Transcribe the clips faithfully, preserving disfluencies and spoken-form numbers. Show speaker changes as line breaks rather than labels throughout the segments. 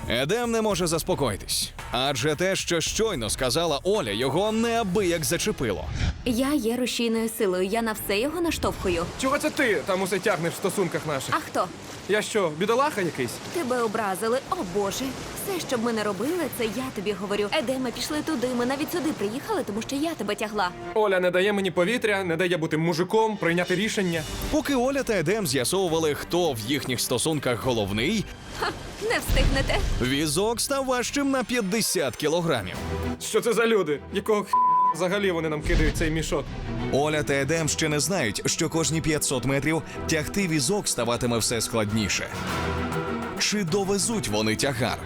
Едем не може заспокоїтись, адже те, що щойно сказала Оля, його неабияк зачепило.
Я є рушійною силою, я на все його наштовхую.
Чого це ти там усе тягнеш в стосунках наших?
А хто?
Я що, бідолаха якийсь?
Тебе образили, о боже. Все, що б ми не робили, це я тобі говорю. Едеме, пішли туди, ми навіть сюди приїхали, тому що я тебе тягла.
Оля не дає мені повітря, не дає бути мужиком, прийняти рішення.
Поки Оля та Едем з'ясовували, хто в їхніх стосунках головний,
Ха, не встигнете.
візок став важчим на п'ятдесят кілограмів.
Що це за люди? Якого х... взагалі вони нам кидають цей мішок?
Оля та Едем ще не знають, що кожні п'ятсот метрів тягти візок ставатиме все складніше. Чи довезуть вони тягар?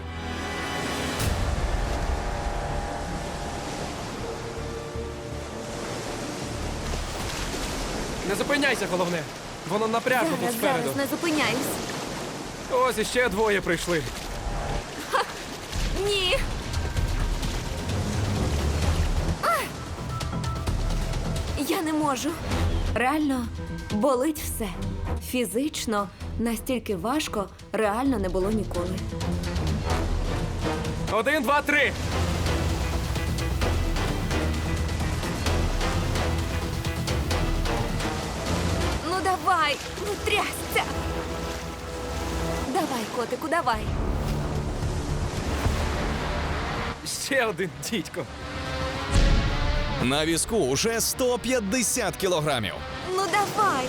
Не зупиняйся, головне. Воно напряжно тут
Зараз,
спереду.
зараз, не зупиняюсь.
Ось іще двоє прийшли.
Ні. А! Я не можу. Реально болить все. Фізично настільки важко реально не було ніколи.
Один, два, три.
Ну давай, ну трясся. Давай, котику, давай.
Ще один дідько.
На візку уже сто п'ятдесят кілограмів.
Ну давай.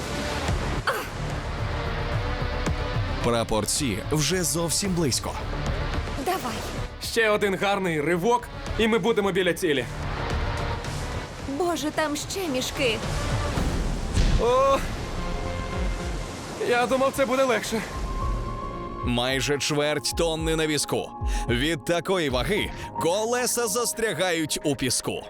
Прапорці вже зовсім близько.
Давай.
Ще один гарний ривок, і ми будемо біля цілі.
Боже, там ще мішки.
О! Я думав, це буде легше.
Майже чверть тонни на візку. Від такої ваги колеса застрягають у піску.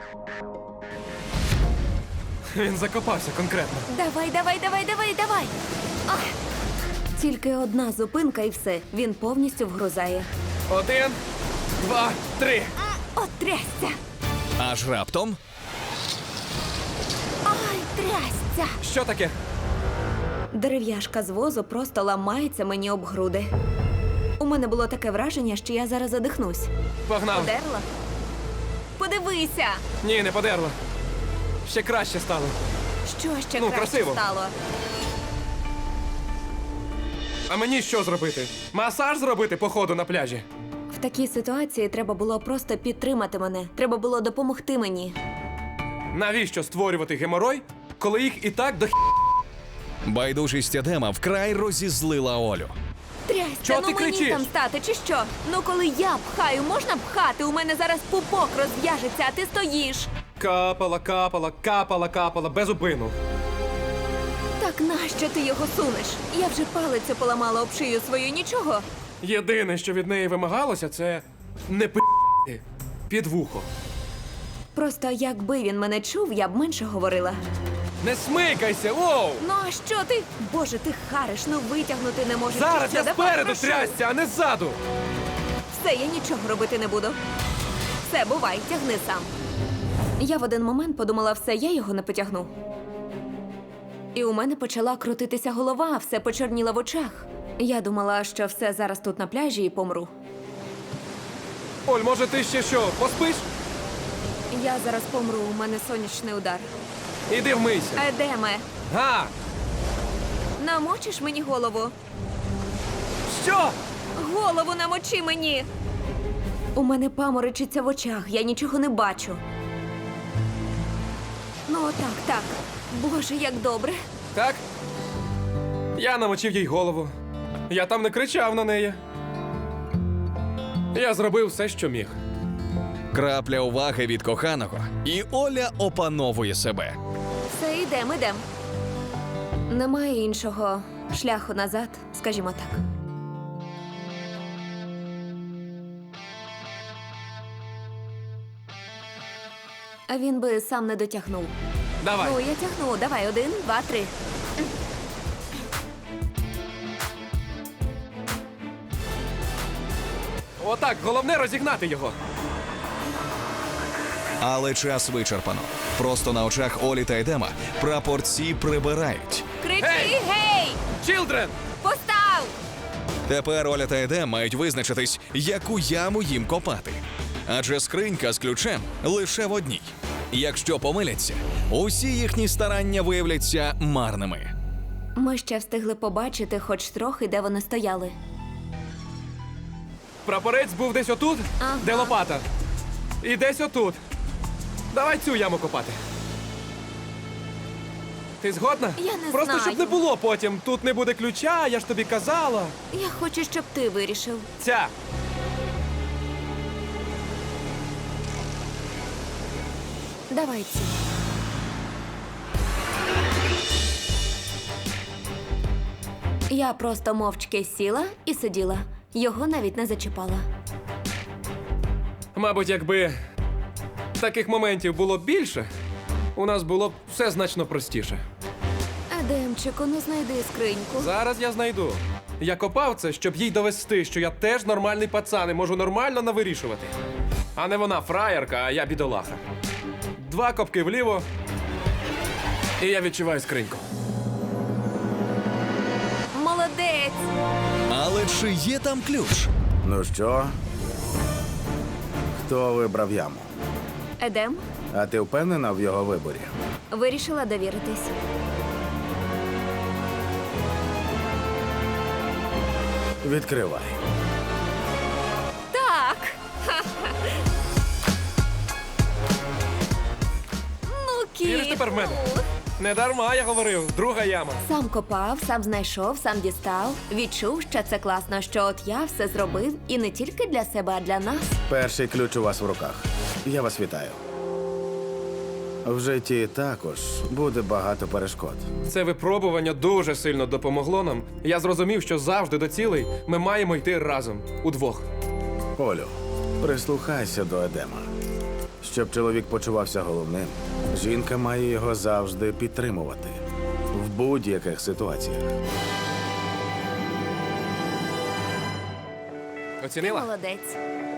Він закопався конкретно.
Давай, давай, давай, давай, давай. Ах. Тільки одна зупинка і все. Він повністю вгрузає.
Один, два, три.
От трясся.
Аж раптом
Ай, трясся.
Що таке?
Дерев'яшка з возу просто ламається мені об груди. У мене було таке враження, що я зараз задихнусь.
Погнав.
Подерла? Подивися!
Ні, не подерла. Ще краще стало.
Що ще
Ну,
краще
красиво.
стало?
А мені що зробити? Масаж зробити по ходу на пляжі?
В такій ситуації треба було просто підтримати мене. Треба було допомогти мені.
Навіщо створювати геморой, коли їх і так до х...
байдужість Едема вкрай розізлила Олю.
Трясся,
Чого
ну
ти
мені
кричиш?
там стати, чи що? Ну коли я пхаю, можна пхати? У мене зараз пупок розв'яжеться, а ти стоїш.
Капала, капала, капала, капала, без упину.
Так нащо ти його сунеш? Я вже палицю поламала об шию свою, нічого.
Єдине, що від неї вимагалося, це не пи під вухо.
Просто якби він мене чув, я б менше говорила.
Не смикайся, воу!
Ну а що ти? Боже, ти хариш, ну витягнути не можеш.
Зараз
Чи що?
я
Давай,
спереду
прошу.
трясся, а не ззаду!
Все, я нічого робити не буду. Все, бувай, тягни сам. Я в один момент подумала, все, я його не потягну. І у мене почала крутитися голова, все почорніло в очах. Я думала, що все зараз тут на пляжі і помру.
Оль, може ти ще що, поспиш?
Я зараз помру, у мене сонячний удар.
Іди вмийся.
Едеме,
Га!
намочиш мені голову?
Що?
Голову намочи мені! У мене паморочиться в очах, я нічого не бачу. Ну, так, так. Боже, як добре.
Так? Я намочив їй голову. Я там не кричав на неї. Я зробив все, що міг.
Крапля уваги від коханого, і Оля опановує себе.
Все, йдем, йдем. Немає іншого шляху назад, скажімо так. А він би сам не дотягнув.
Давай.
Ну, я тягну. Давай, один, два, три.
Отак, головне розігнати його.
Але час вичерпано. Просто на очах Олі та Едема прапорці прибирають.
Кричи,
Гей!
гей!
Чілдрен!
Постав!
Тепер Оля та Едем мають визначитись, яку яму їм копати. Адже скринька з ключем лише в одній. Якщо помиляться, усі їхні старання виявляться марними.
Ми ще встигли побачити хоч трохи, де вони стояли.
Прапорець був десь отут,
Ага.
де лопата. І десь отут. Давай цю яму копати. Ти згодна?
Я не
Просто
знаю.
щоб не було потім. Тут не буде ключа, я ж тобі казала.
Я хочу, щоб ти вирішив.
Ця.
Давай ці. Я просто мовчки сіла і сиділа. Його навіть не зачіпала.
Мабуть, якби таких моментів було більше, у нас було б все значно простіше.
Едемчику, ну знайди скриньку.
Зараз я знайду. Я копав це, щоб їй довести, що я теж нормальний пацан і можу нормально навирішувати. А не вона фраєрка, а я бідолаха. Два копки вліво, і я відчуваю скриньку.
Молодець!
Але чи є там ключ?
Ну що? Хто вибрав яму?
Едем,
А ти впевнена в його виборі?
вирішила довіритись.
Відкривай.
Так! Ну, кіт!
Віриш тепер в мене? Не дарма я говорив, друга яма.
Сам копав, сам знайшов, сам дістав. Відчув, що це класно, що от я все зробив і не тільки для себе, а для нас.
Перший ключ у вас в руках. Я вас вітаю. В житті також буде багато перешкод.
Це випробування дуже сильно допомогло нам. Я зрозумів, що завжди до цілей ми маємо йти разом, удвох.
Олю, прислухайся до Едема. Щоб чоловік почувався головним, жінка має його завжди підтримувати. В будь-яких ситуаціях.
Оцінила?
Молодець.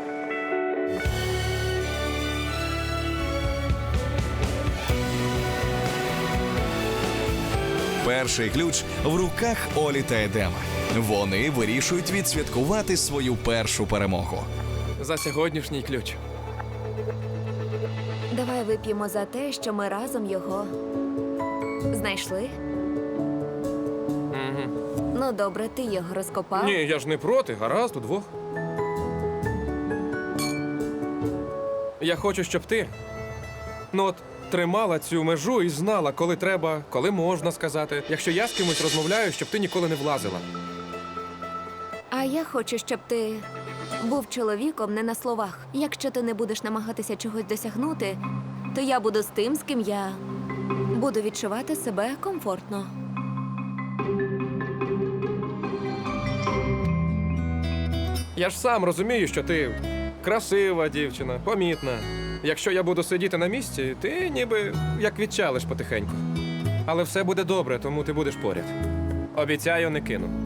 Перший ключ в руках Олі та Едема. Вони вирішують відсвяткувати свою першу перемогу.
За сьогоднішній ключ.
Давай вип'ємо за те, що ми разом його знайшли.
Угу.
Ну, добре, ти його розкопав.
Ні, я ж не проти, гаразд, удвох. Я хочу, щоб ти, ну от, тримала цю межу і знала, коли треба, коли можна сказати. Якщо я з кимось розмовляю, щоб ти ніколи не влазила.
А я хочу, щоб ти був чоловіком не на словах. Якщо ти не будеш намагатися чогось досягнути, то я буду з тим, з ким я буду відчувати себе комфортно.
Я ж сам розумію, що ти красива дівчина, помітна. Якщо я буду сидіти на місці, ти ніби як відчалиш потихеньку. Але все буде добре, тому ти будеш поряд. Обіцяю, не кину.